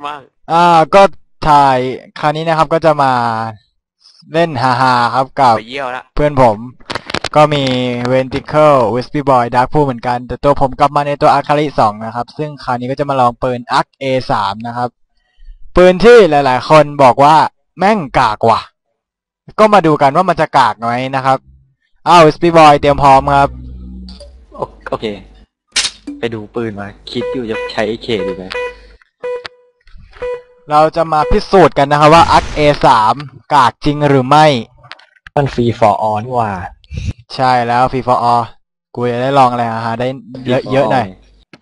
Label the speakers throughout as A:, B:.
A: มาก
B: ก็ถ่ายคราวนี้นะครับก็จะมาเล่นฮาๆครับกับเพื่อนผมก็มี Venticle Wispy Boy Dark Pool เหมือนกันแต่ตัวผมกลับมาในตัว Akari 2นะครับซึ่งคราวนี้ก็จะมาลองปืน Arc A3 นะครับปืนที่หลายๆคนบอกว่าแม่งกากว่ะก็มาดูกันว่ามันจะกากไหมนะครับWispy Boy เตรียมพร้อมครับ
C: โอเคไปดูปืนมาคิดอยู่จะใช้ AK ดีไหม
B: เราจะมาพิสูจน์กันนะครับว่า Arc A3 กากจริงหรือไม่
C: มันฟรี for all นี่ว่า
B: ใช่แล้วฟรี for all กูจะได้ลองอะไรได้เยอะๆหน่อย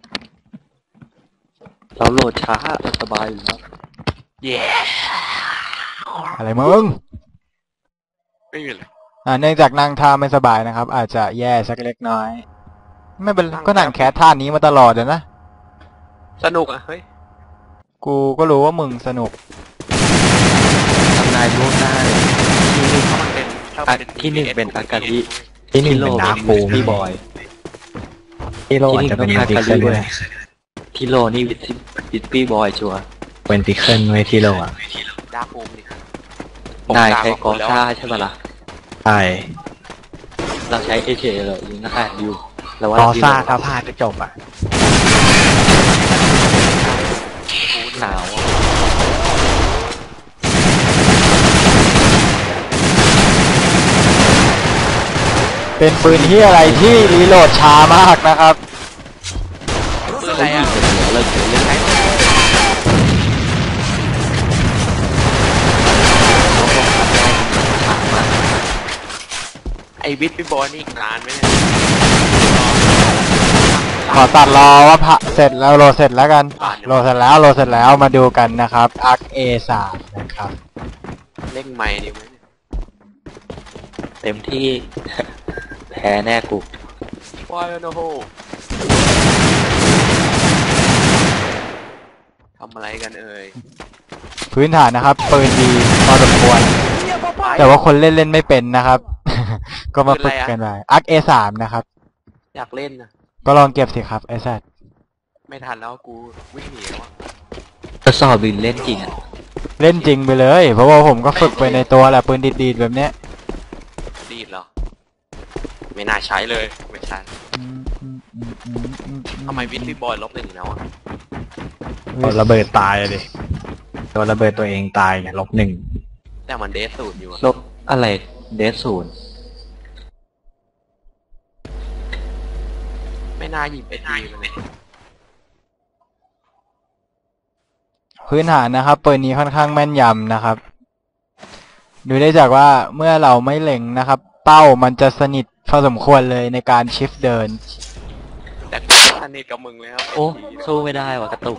C: เราโหลดช้าสบายอยู่แล้ว
B: อะไรมึง
A: ไม่มีเลย
B: เนื่องจากนั่งท่าไม่สบายนะครับอาจจะแย่สักเล็กน้อยไม่เป็นก็นั่งแคสท่านี้มาตลอดเลยนะ
A: สนุกเฮ้ย
B: กูก็รู้ว่ามึงสนุก
C: ทำนายล่วงหน้าที่หนึ่งเป็นอากาลิที่หนึ่งเป็นดาร์ฟูพี่บอยที่โลอาจจะเป็นอากาลิด้วยที่โลนี่วิทปี้บอยชัวร์เป็นติเคิลไว้ที่โลอ่ะ
A: ดาร์ฟูมดิ
C: นายใช้กอซ่าใช่ไหมล่ะใช่เราใช้เอเชเลยยิงนะคะอยู่แล้วว่ากอซ่าถ้าพลาดจะจบอ่ะหนาว
B: เป็นปืนที่อะไรที่รีโหลดช้ามากนะครับ
A: ปืนอะไรอ่ะไอวิทย์พี่บอลนี่นานไหมเนี่ย
B: ขอตัดรอว่าเสร็จแล้วโหลดเสร็จแล้วกันโหลดเสร็จแล้วมาดูกันนะครับ Arc A3 นะครับ
A: เล่งใหม่ดีไหม
C: เต็มที่แพ้แน่กู
A: ว้ายโนโฮทำอะไรกันเอ่ย
B: พื้นฐานนะครับปืนดีพอสมควรแต่ว่าคนเล่นไม่เป็นนะครับก็มาฝึกกันไป Arc A3 นะครับ
A: อยากเล่นนะ
B: ก็ลองเก็บสิครับไอ้สัตว์
A: ไม่ทันแล้วกูวิ่งหนีแล้ว
C: ทดสอบบินเล่นจริงอ่ะ
B: เล่นจริงไปเลยเพราะว่าผมก็ฝึกไปในตัวแหละปืนดีดๆแบบเนี้ย
A: ดีดเหรอไม่น่าใช้เลยไม่ใช่ทำไมวิทย์บอย-1แล้วอ่ะ
C: โดนระเบิดตายเลยโดนระเบิดตัวเองตายไง-1
A: แต่มันเดส0อยู่
C: ลบอะไรเดส0
A: ไม่น่าหยิบไปทีมันเลย
B: พื้นฐานนะครับปืนนี้ค่อนข้างแม่นยำนะครับดูได้จากว่าเมื่อเราไม่เล็งนะครับเป้ามันจะสนิทพอสมควรเลยในการชิฟเดิน
A: แต่กูสนิทกับมึงแล้ว
C: โอ้สู้ไม่ได้ว่ะกระตุก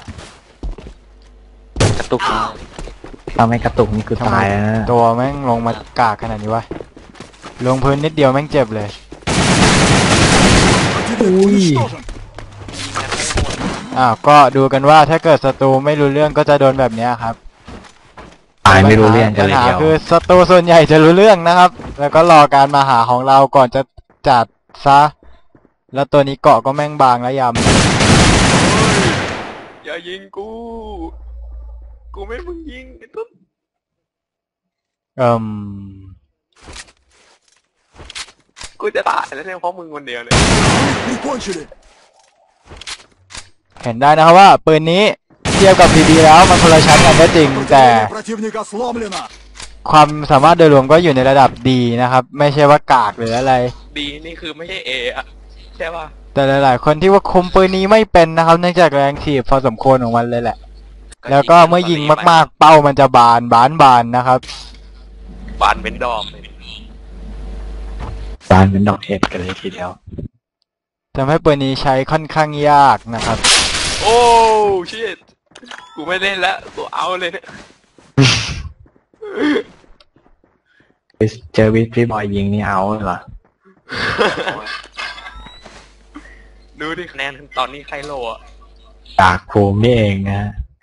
C: ทำให้กระตุกนี่คือตายนะ
B: ตัวแม่งลงมากากขนาดนี้วะลงพื้นนิดเดียวแม่งเจ็บเลย
C: อุ้ย
B: ก็ดูกันว่าถ้าเกิดศัตรูไม่รู้เรื่องก็จะโดนแบบนี้ครับ
C: ตายไม่รู้เรื่องกันเลยเดียว
B: คือศัตรูส่วนใหญ่จะรู้เรื่องนะครับแล้วก็รอการมาหาของเราก่อนจะจัดซะแล้วตัวนี้เกาะก็แม่งบางและยำ
A: อย่ายิงกูไม่มึงยิงตุ๊บกูจะตายแล้วเนี่ยเพราะมึงคนเดียวเลย
B: เห็นได้นะครับว่าปืนนี้เทียบกับ PB แล้วมันคนละชั้นกันก็จริงแต่ความสามารถโดยรวมก็อยู่ในระดับดีนะครับไม่ใช่ว่ากากหรืออะไร
A: ดีนี่คือไม่ใช่เออะใช่ป่ะ
B: แต่หลายๆคนที่ว่าคุมปืนนี้ไม่เป็นนะครับเนื่องจากแรงถีบพอสมควรของมันเลยแหละแล้วก็เมื่อยิงมากๆเป้ามันจะบานนะครับ
A: บานเป็นดอก
C: บานเป็นดอกเห็ดกันเลยทีเดียว
B: ทำให้ปืนนี้ใช้ค่อนข้างยากนะครับ
A: โอ้ชิตกูไม่เล่นแล้วกูเอาเลยเนี่ย
C: เจอวิทพี่บอยยิงนี่เอาเหรอ
A: ดูดิคะแนนตอนนี้ใครโลอ่ะ
C: จากภูมินี่เองนะ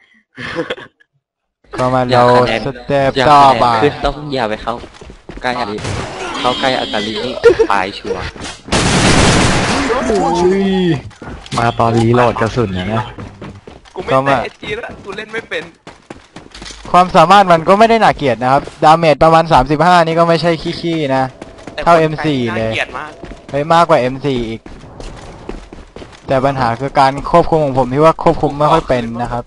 B: ก็มาเราสเต็ปต่อไป
C: คือต้องอย่าไปเข้าใกล้อากาลินี่ตายชัวร์มาตอนรีโหลดกระสุนนะ
A: กูไม่แต่เอจีแล้วกูเล่นไม่เป็น
B: ความสามารถมันก็ไม่ได้น่าเกลียดนะครับ ดาเมจประมาณ35นี่ก็ไม่ใช่ขี้ๆนะ
A: แต่
B: เท่า
A: คน
B: M4
A: ใช้น่า
B: เลย
A: เกลียดมาก
B: เฮ้ยมากกว่า M4 อีก แต่ปัญหาคือการควบคุมของผมที่ว่าควบคุมไม่ค่อยเป็นนะครับ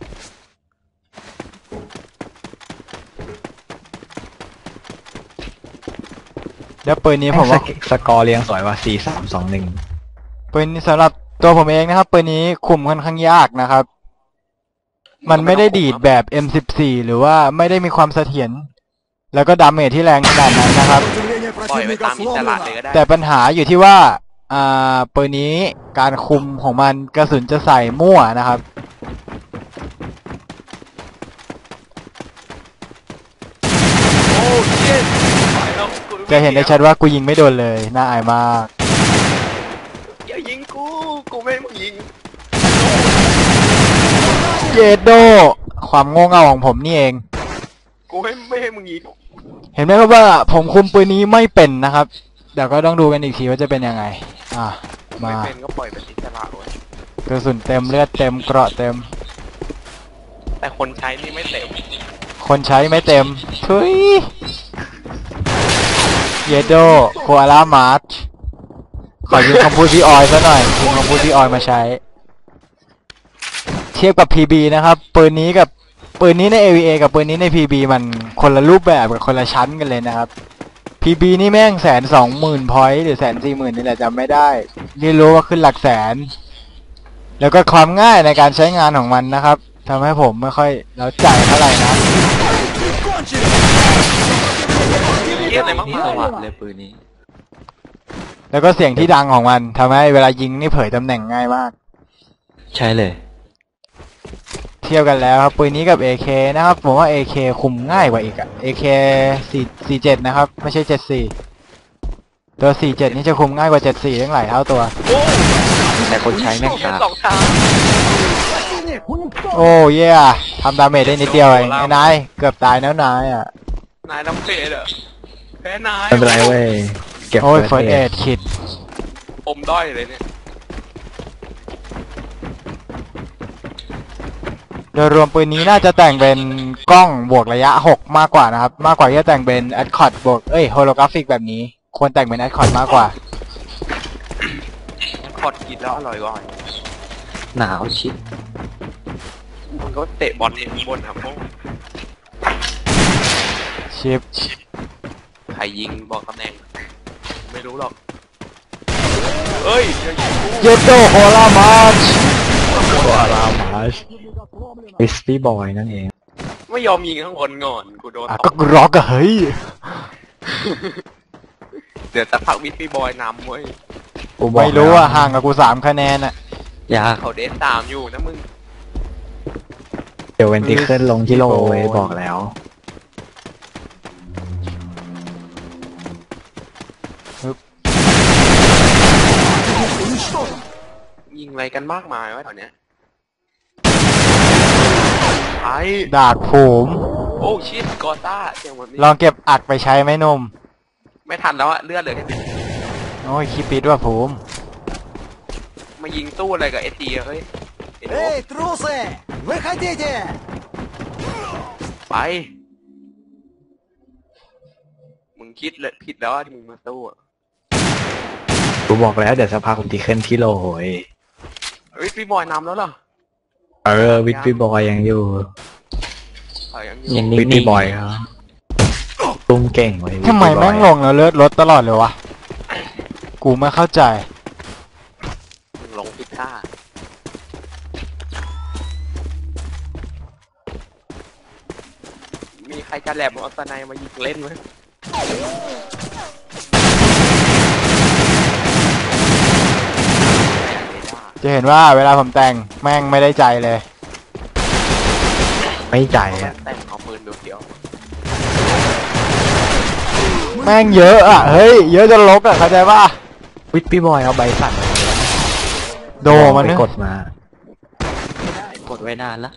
B: แล้วปืนนี้ผมว่า
C: สกอร์เรียงสวยว่า4321
B: ปืนนี้สำหรับตัวผมเองนะครับปืนนี้คุมค่อนข้างยากนะครับ มันไม่ได้ดีดแบบ M14 หรือว่าไม่ได้มีความเสถียรแล้วก็ดาเมจที่แรงขนาดนั้นนะครับ
A: ปล่อยไปตามอิสระเลยก็ได้
B: แต่ปัญหาอยู่ที่ว่าปืนนี้การคุมของมันกระสุนจะใส่มั่วนะครับ
A: โอ้เชี่ยไปแล้วกู
B: จะเห็นได้ชัดว่ากูยิงไม่โดนเลยน่าอายมาก
A: อย่ายิงกูไม่ให้มึงยิง
B: เยโดความโง่เง่าของผมนี่เอง
A: กูไม่ให้มึงยิง
B: เห็นไหมครับว่าผมคุมปืนนี้ไม่เป็นนะครับเดี๋ยวก็ต้องดูกันอีกทีว่าจะเป็นยังไง
A: ไม่
B: มา
A: เป็นก็ปล่อยไปอิสระเว้ย
B: กระสุนเต็มเลือดเต็มเกราะเต็ม
A: แต่คนใช้นี่ไม่เต็ม
B: คนใช้ไม่เต็มทุยเยโดโคอาล่ามาร์ชขอยืมคำพูดพี่ออยซะหน่อยยืมคำพูดพี่ออยมาใช้ เทียบกับ PB นะครับปืนนี้ใน AVA กับปืนนี้ใน PB มันคนละรูปแบบกับคนละชั้นกันเลยนะครับ PB นี่แม่ง120,000 พอยต์หรือ140,000นี่แหละจำไม่ได้ที่รู้ว่าขึ้นหลักแสน แล้วก็ความง่ายในการใช้งานของมันนะครับทำให้ผมไม่ค่อยแล้วใจเท่าไหร่นะ
A: เยี่ยมเลยมาก
C: สวัสดิ์เลยปืนนี้
B: แล้วก็เสียงที่ดังของมันทำให้เวลายิงนี่เผยตำแหน่งง่ายมาก
C: ใช่เลย
B: เทียบกันแล้วครับปืนนี้กับ AK นะครับผมว่า AK คุมง่ายกว่าอีกอะ AK 47นะครับไม่ใช่74ตัว47นี่จะคุมง่ายกว่า74ตั้งหลายเท่าตัว
C: แต่คนใช้แม่ง
A: เยี่ย
C: กาม
A: สองทาง
B: โอ้เย่ทำดาเมจได้นิดเดียวเองไอ้นายเกือบตายแล้วนายอ่ะ
A: นายน้ำเพลเหรอแพ้นาย
C: ไม่เป็นไรเว้ยเก็บ
B: โอ้ย
C: เฟิร์ส
B: First
C: เอ
B: Aid คิด
A: อมด้อยเลยเนี่ย
B: โดยรวมปืนนี้น่าจะแต่งเป็นกล้องบวกระยะ6มากกว่านะครับมากกว่าที่จะแต่งเป็น Adcot บวกโฮโลกราฟิกแบบนี้ควรแต่งเป็น Adcot มากกว่า
A: คอดกินแล้วอร่อยกว่า
C: หนาวชิด
A: มันก็เตะบอลเองข้างบนครับพวก
B: ชิป
A: ใครยิงบอกตำแหน่ง ไม่รู้หรอกเอ้ยอย่ายิงกู
B: เยโตโคลามาร์ช
C: ตัวอารามาชวิสปี้บอยนั่นเอง
A: ไม่ยอมยิงข้างบนก่อนกูโดน
B: ก็ร็อกอะเฮ้ย
A: เดี๋ยวจะพักวิทย์พี่บอยนำเว้ย
C: กูบอก
B: ไม่รู้อะห่างกับกู3 คะแนนอะ
C: ยาก
A: เขาเดสตามอยู่นะมึง
C: เดี๋ยวเวนติเคิลลงที่โลเว้ยบอกแล้ว
A: ยิงอะไรกันมากมายวะแถวเนี้ยไอ้
B: ดาบผม
A: โอ้ชิตกอต้าเสียงแบบนี้
B: ลองเก็บอัดไปใช้ไหมหนม
A: ไม่ทันแล้วอะเลือดเหลือแค่นี้
B: โอ้ยคิดปิดว่าผม
A: มายิงตู้อะไรกับเอทีเฮ้ยไอ้โน้
D: Эй, трусы! Выходите!
A: ไป มึงคิดเลยผิดแล้วอะที่มึงมาตู้อะ
C: กูบอกแล้วเดี๋ยวสักพักเวนติเคิลที่โลเว้ย
A: เฮ้ยพี่บอยนำแล้วเหรอ
C: วิสปี้บอยยังอยู่
A: ยังอยู่
C: วิสปี้บอยครับตุ้มเก่งเว้ย
B: ทำไม
C: Whisky Boy
B: แม่งลงแล้วเลือดลดตลอดเลยวะ กูไม่เข้าใจ
A: มึงลงผิดท่ามีใครจะแหลมเอาสไนมายิงเล่นไหม
B: จะเห็นว่าเวลาผมแต่งแม่งไม่ได้ใจเลย
C: ไม่ใจ
A: เอา
C: อ่ะ
A: แต่งเอาปืนเดียว
B: แม่งเยอะอะเฮ้ยเยอะจนลกอะเข้าใจป่ะ
C: วิสปี้บอยเอาใบสั่น
B: โดมัน
C: ไป
B: นึ
C: กดมา
A: กดไว้นานละ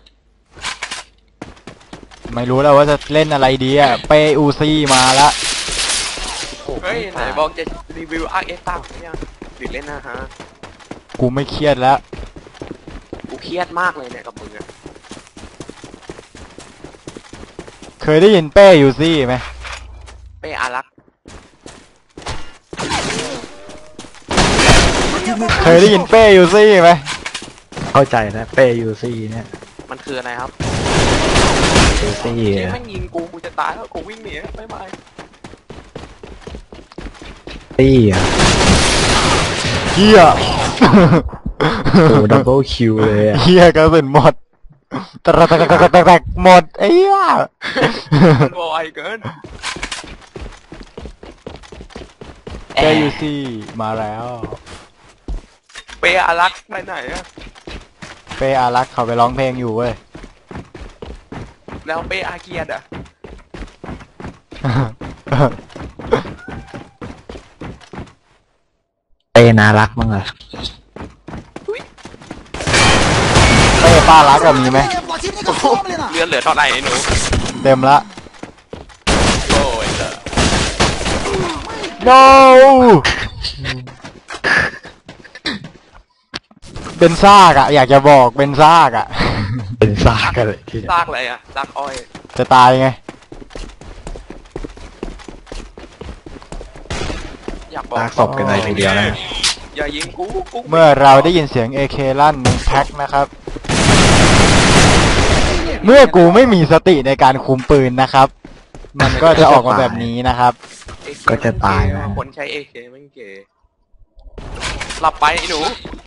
B: ไม่รู้แล้วว่าจะเล่นอะไรดีอะเปอูซี่มาละ
A: เฮ้ยไหนบอกจะรีวิวอาร์เอสตั้งเนี่ยหรือเล่นนะฮะ
B: กูไม่เครียดแล้ว
A: กูเครียดมากเลยเนี่ยกับมึงอะ
B: เคยได้ยินเป้ยูซี่ไหม
A: เป้อารักษ์
B: เคยได้ยินเป้ยูซี่ไหม
C: เข้าใจนะเป้ยูซี่เนี่ย
A: มันคืออะไรครับ
C: ยูซี่
A: ที่แม่งยิงกูจะตายแล้วกูวิ่งหนีบ๊ายบาย
C: ซี่อ่ะ
B: เฮีย
C: โอ้ดับเบิลคิวเลยอ่ะ
B: เฮียกระสุนหมดแตกหมดไอ้เหี้ย
A: มันบ่อยเกิน
B: เป้ยูซี่มาแล้ว
A: เป้อารักษ์ไปไหนอะ
B: เป้อารักษ์เขาไปร้องเพลงอยู่เว้ย
A: แล้วเป้อาเกียดอะ
C: เป้น่ารักมั้งอ่ะ
B: เป้ป้ารักกับมีไหม
D: Противника сломлено!
A: เลือดเหลือเท่าไหร่ไอ้หนู
B: เต็มละ
A: โอ้ยเถอะ
B: no เป็นซากอะอยากจะบอกเป็นซากอะ
C: เป็นซากกันเลยที่
A: ซากอะไรอะซากอ้อย
B: จะตายไง
A: อยากบอก
C: ซากศพกันเลยทีเดียวนะ
A: อย่ายิงกู
B: เมื่อเราได้ยินเสียง AK ลั่นในแพ็คนะครับ เมื่อกูไม่มีสติในการคุมปืนนะครับ มันก็จะออกมาแบบนี้นะครับ
C: ก็จะตายนะ
A: คนใช้เอเคแม่งเก๋หลับไปไอ้หนู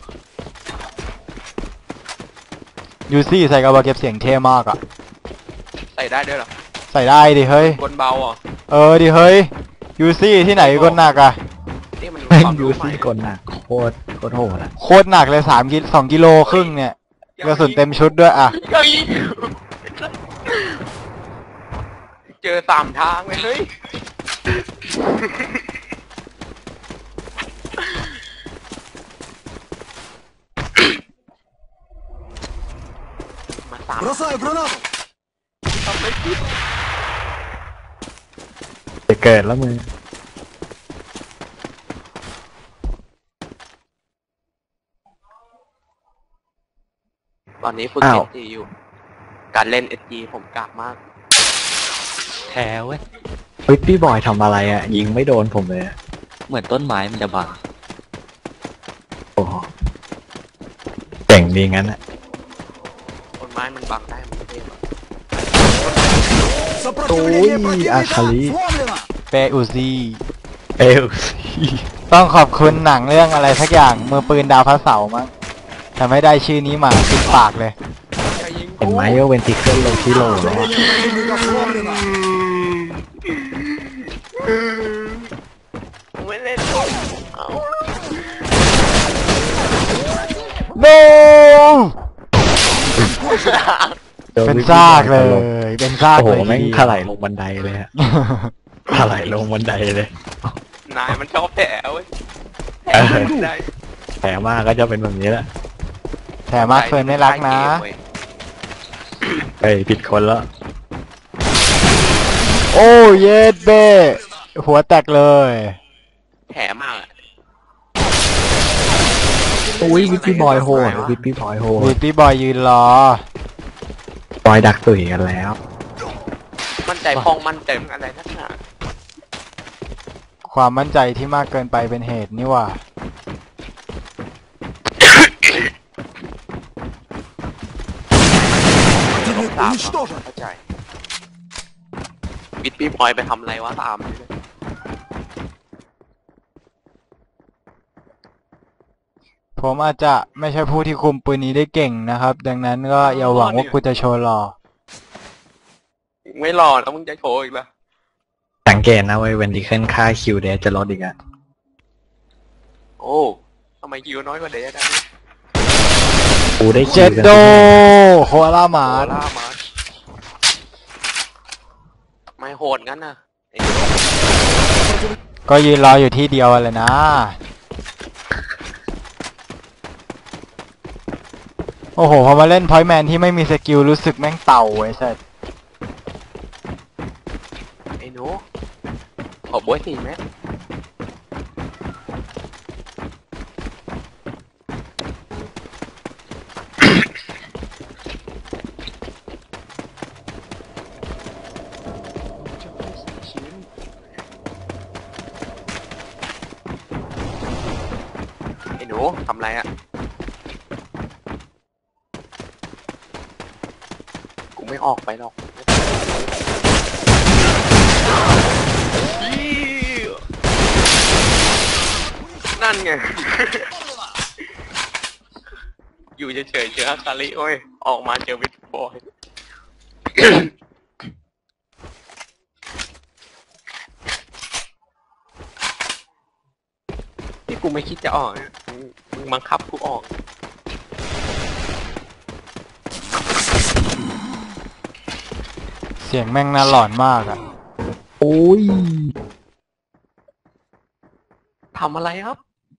B: ยูซี่ใส่กระบอกเก็บเสียงเท่มากอะ
A: ใส่ได้ด้วยเหรอ
B: ใส่ได้ดิเฮ้ย
A: คนเบาอ่ะ
B: ดิเฮ้ย ยูซี่ที่ไหนก็หนักอะ
A: นี่มัน
C: แม่ง
A: ความ
C: ยู
A: รู้ใหม่
C: ซี่กดหนักโคตรโหดอ่ะ
B: โคตรหนักเลย2 กิโลครึ่งเนี่ยกระสุนเต็มชุดด้วยอะ
A: อย่ายิงเจอ3 ทางเลยเฮ้ยมา3
D: Бросаю гранату!
A: ทำไม่คิด
C: จะเกิดแล้วมึง
A: ตอนนี้ฝึก
C: อ้าว
A: SG อยู่ การเล่น SG ผมกากมาก
C: แพ้เว้ยเฮ้ยพี่บอยทำอะไรอ่ะ ยิงไม่โดนผมเลยอะ
E: เหมือนต้นไม้มันจะบัง
C: โอ้โหเจ๋งดีงั้นอ่ะ
A: ต้นไม้มันบังได้มันไม่ได้หรอก
D: Сопротивление
C: Ой,
D: противника
C: Ахали.
D: сломлено!
B: เป้อูซี่
C: เอลซี่
B: ต้องขอบคุณหนังเรื่องอะไรสักอย่างมือปืนดาวพระเสาร์มั้งทำให้ได้ชื่อนี้มาติดปากเลย
A: อย่ายิง
C: เห็นไหมว่าเวนติเคิลลงที่โหลแล้วอะ
D: Противника сломлено!
A: ไม่เล่นเอา
B: no
C: จอ
B: เป็น
C: วิธี
B: ซากเล
C: บอย
B: เป็นซาก
C: โอ้โห
B: เลย
C: แม่ง
B: ที
C: ถลายลงบันไดเลยฮะ ถลายลงบันไดเลย
A: นายมันชอบแผลเว้ยแผล
C: เออ
A: ไม่ได้
C: แผลมากก็จะเป็นแบบนี้แหละ
B: แถมมาร์คเฟิร์นไม่รักนะ
C: เฮ้ยผิดคนแล้ว
B: โอ้เยสเบ้หัวแตกเลย
A: แผลมากอะ
C: อุ้ยวิปปี้บอยโหดวิปปี้บอยโห
B: วี
C: ด
B: ปี้บอยยืนรอ
C: บอยดักตุ๋ยกันแล้ว
A: มั่นใจพองมั่นใจมึงอะไรนักหนา
B: ความมั่นใจที่มากเกินไปเป็นเหตุนี่หว่า
D: Противник
A: ตาม
D: уничтожен!
A: เข้าใจวิทพี่พลอยไปทำอะไรวะตามเลย
B: ผมอาจจะไม่ใช่ผู้ที่คุมปืนนี้ได้เก่งนะครับ ดังนั้นก็อย่าหวังว่ากูจะโชว์หล่อ
A: ไม่รอแล้วมึงจะโชว์อีกละ
C: สังเกตนะเว้ยเวนติเคิลค่าคิวเดจะลดอีกอะ
A: โอ้ทำไมคิวน้อยกว่าเดย์ได้
C: กูได้คิ
B: เจ็
C: ว
B: ด
C: กัน
B: โดโคอาล่าหมา
A: โอล่ามาไม่โหดงั้นนะไอ้
B: ก็ยืนรออยู่ที่เดียวเลยนะ โอ้โห พอมาเล่นพอยต์แมนที่ไม่มีสกิลรู้สึกแม่งเต่าไอ้สัส
A: ไอ้หนูขอบ๊วย4 เม็ดทำไรอะกูไม่ออกไปหรอกนั่นไง อยู่เฉยๆเจออาคาริโอ้ยออกมาเจอวิทบอย ที่กูไม่คิดจะออกเนี่ยมึงบังคับกูออก
B: เสียงแม่งน่าหลอนมากอะ
C: โอ้ย
A: ทำอะไรครับ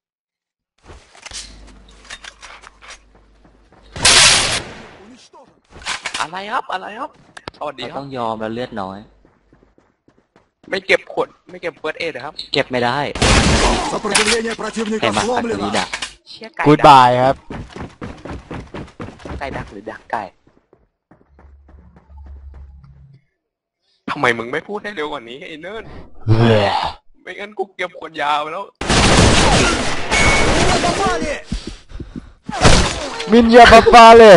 A: อะไรครับ อะไรครับ สวัสดี
C: เรา
A: ครั
C: ต้
A: บ
C: องยอมแล้วเลือดน้อย
A: ไม่เก็บขวด ไม่เก็บเฟิร์สเอดครับ
C: เก็บไม่ได้
D: Сопротивление
C: ใคร
D: противника
C: มาคาคาริ
D: сломлено.
C: ดะ
A: เชี่ยไก่
B: กูด
A: ดัก
B: บายครับ
A: ไก่ดักหรือดักไก่ ทำไมมึงไม่พูดให้เร็วกว่านี้ไอ้เนิร์ดไม่งั้นกูเก็บขวดยาวไปแล้ว
D: Попали!
B: มินยาปาปาเลย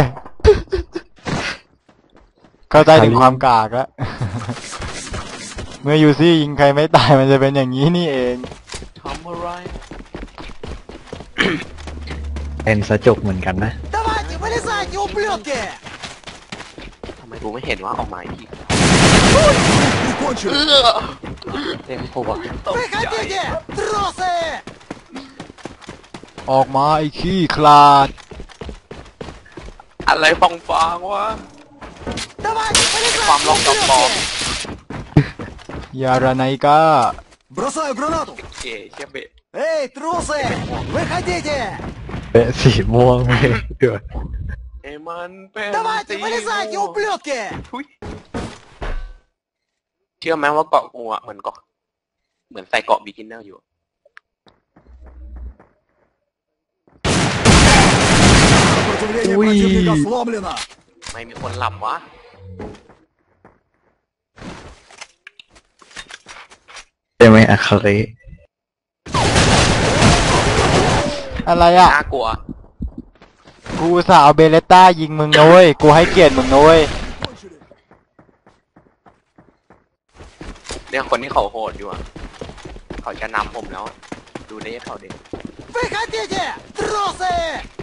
B: เข้าใจถึงความกากแล้ว เมื่อยูซี่ยิงใครไม่ตายมันจะเป็นอย่างนี้นี่เอง
A: ทำอะไร
C: เป็นสะจุกเหมือนกันนะ
D: Давайте, вылезайте, ублюдки!
A: ทำไมกูไม่เห็นว่าออกมาอีกที
D: Прикончили!
C: เต็มหัว
A: ตกใจ
D: Выходите! Тросы!
B: ออกมาไอ้ขี้คลาด
A: อะไรฟองๆวะ
D: Давайте,
A: ความลอง
D: вылезайте,
A: กับปอม
D: ублюдки!
B: ยาราไนกา
D: Бросаю гранату!
A: เก๋เชี่ยเบะ
D: Эй, трусы! Выходите!
C: เป็นสีม่วงไม่เดือด
A: เอ้มันเป็น
D: Давайте, вылезайте, ублюдки!
A: ทุยเชื่อไหมว่าเกาะกูอะเหมือนเกาะเหมือนใส่เกาะบิกินเนอร์อยู่
D: Сопротивление противника сломлено!
A: ไม่มีคนหลับวะ
C: ใช่ไหมอาคาริ
B: อะไรอ่ะ
A: น่ากลัว
B: กูอุตสาห์เอาเบเลต้ายิงมึงนะเว้ย กูให้เกียรติมึงนะเว้ย
D: Кончили!
A: เนี่ยคนที่เขาโหดอยู่อะเขาจะนำผมแล้ว ดูได้เขาเด็ก
D: Выходите! Тросы!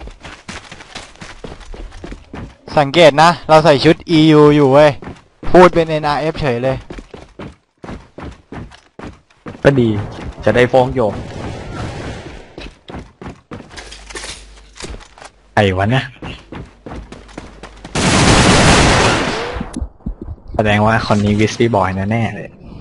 B: สังเกตนะ เราใส่ชุด EU อยู่เว้ย พูดเป็น NRF เฉยเลย
C: ก็ดี จะได้ฟ้องโยมใครวะเนี่ยแสดงว่าคนนี้วิสปี้บอยแน่ๆเลย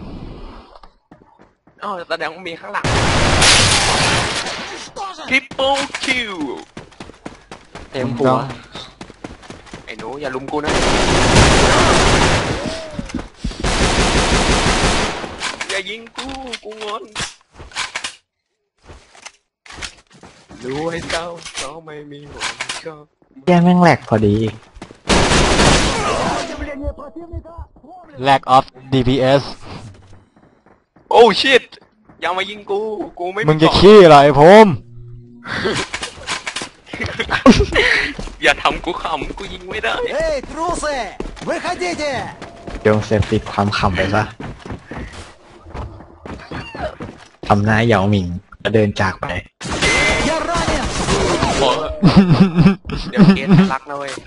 A: อ๋อแสดงว่ามีข้างหลัง
D: Уничтожен!
A: ทริปเปิลคิว
C: เต็มหัว
A: ไอ้หนูอย่าลุมกูนะ อย่ายิงกูงอนรู้ให้เจ้าเขาไม่มีหวังชอบ
C: แย่แม่งแหลกพอดี
D: Сопротивление противника сломлено!
B: lack of DPS
A: โอ้ชิตอย่ามายิงกูไม่
B: มึงจะ
A: เกา
B: ขี้เหรอไอ้พม
A: อย่าทำกูขำกูยิงไม่ได้
D: Эй, трусы! Выходите!
C: โยมเสพติดความขำไปซะทำหน้าเหยาหมิงแล้วเดินจากไป
D: Я ранен!
A: โอ้เดี๋ยวเกณฑ์รักนะเว้ย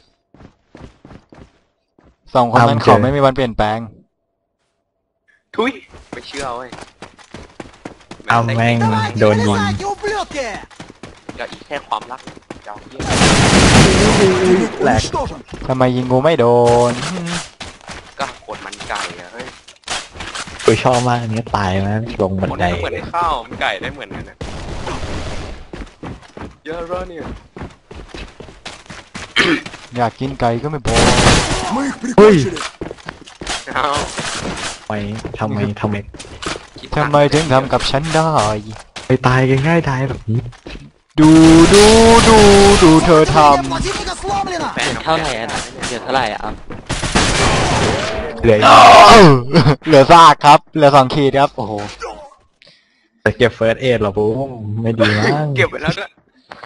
B: สองคนนั้น
C: ทำเจอ
B: เขาไม่มีวันเปลี่ยนแปลง
A: ทุยไม่เชื่อเว้ย
C: เอาแม่ง
D: Давайте,
C: Дон Ван.
D: вылезайте, ублюдки!
A: อย่าอีกแค่ความรักเจ้าเหี้ย
D: Противник
C: Лак.
D: уничтожен!
B: ทำไมยิงกูไม่โดน
A: ก็กดมันไก่อะเฮ้ย
C: กูชอบมากอันนี้ตายนะลงบัน
A: คน
C: ได
A: นี้ก็เหมือนไอ้ข้าวมันไก่ได้เหมือนกันนะเยอะแล้วเนี่ย
B: อยากกินไก่ก็ไม่บอก
D: Мы их прикончили!
A: เอา
C: ทำไม
A: คิด
B: ทำไมถึงทำกับฉันได้
C: ไปตายกันง่ายดายแบบนี้
B: ดูเธอท
D: Сопротивление противника сломлено!
A: แฟน
C: เท่าไหร่อ่ะเดือดเท่าไหร่อ่ะเหลือ
B: ำ เหลือซากครับ เหลือ2 ขีดครับ
C: โอ้โหจะเก็บเฟิร์สเอดหรอปุ๊ไม่ดีมั้ง
A: เก็บไว้แล้วด้วย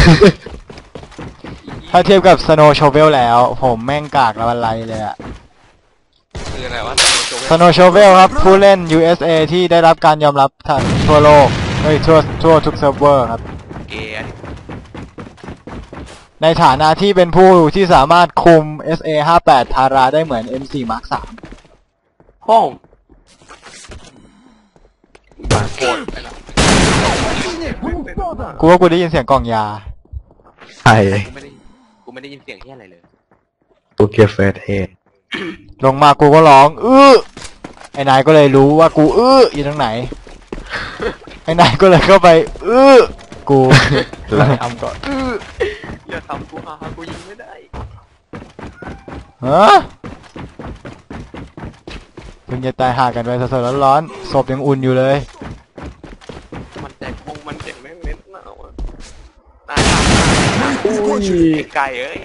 B: ถ้าเทียบกับ Snow Shovel แล้ว ผมแม่งกากละวันไรเลยอะ
A: คืออะไรวะ
B: Snow Shovel ครับ ผู้เล่น USA ที่ได้รับการยอมรับทั่วโลกทั่วทุกเซิร์ฟเวอร์ครับ
A: เกย์
B: ในฐานะที่เป็นผู้ที่สามารถคุม SA58 ทาราได้เหมือน M4 Mark 3
A: ห้องโกรธไปแล้ว
B: กูว่ากูได้ยินเสียงกล่องยา
C: ใช่
A: กูไม่ได้ยินเสียงที่อะไรเลย
C: ตูเกียเฟสเฮด
B: ลงมากูก็ร้องไอ้นายก็เลยรู้ว่ากูอยู่ตรงไหน ไอ้นายก็เลยเข้าไปกูแล้วทำก่อน
A: อย่าทำกูกูยิงไม่ได้
B: ฮะเพิ่งจะตายห่ากันไปสดๆร้อนๆศพยังอุ่นอยู่เลย
A: มันใจพงมันเจ็บแม่งเล่นหนาวอ่ะ
D: Мы их прикончили.
A: ไก่เอ้ย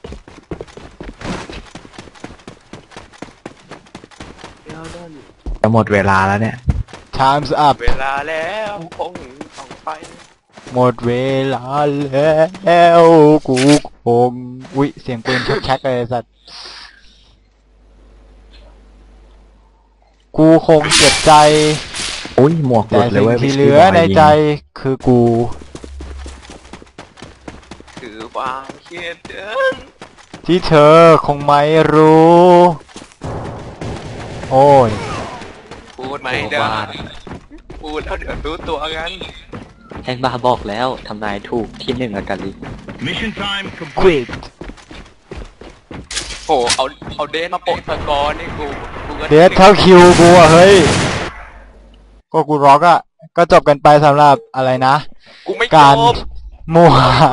A: เดี๋ยวเดิน
C: จะหมดเวลาแล้วเนี่ย
B: Time's up
A: เวลาแล้วคงต้องไป
B: หมดเวลาแล้วกูคงอุ๊ยเสียงปืนชักๆเลยสัตว์กูคงเจ็บใจ
C: อุ้ยหมวกหลุ
B: แต่
C: ดเลย
B: สิ่ง
C: เว้ย
B: ที่เหลือในใจคือกู
A: คือความเครียดเกิน
B: ที่เธอคงไม่รู้ โอ้ย
A: พูดไม่ได้พูดแล้วเดี๋ยวรู้ตัวกัน
C: แฮงบาบอกแล้วทำนายถูกที่หนึ่งอากาลิ
E: Mission time complete.
B: quit
A: โหเอาเดนมาโปะสกอร์นี่กูก็
B: เดทเท่าคิวกูอะเฮ้ย ก็กูร็อกอะก็จบกันไปสำหรับอะไรนะ
A: กูไม่
B: การ
A: จบ
B: มั่ว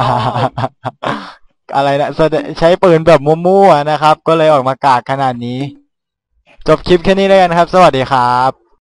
B: อะไรนะใช้ปืนแบบมั่วๆนะครับ ก็เลยออกมากากขนาดนี้ จบคลิปแค่นี้แล้วกันครับ สวัสดีครับ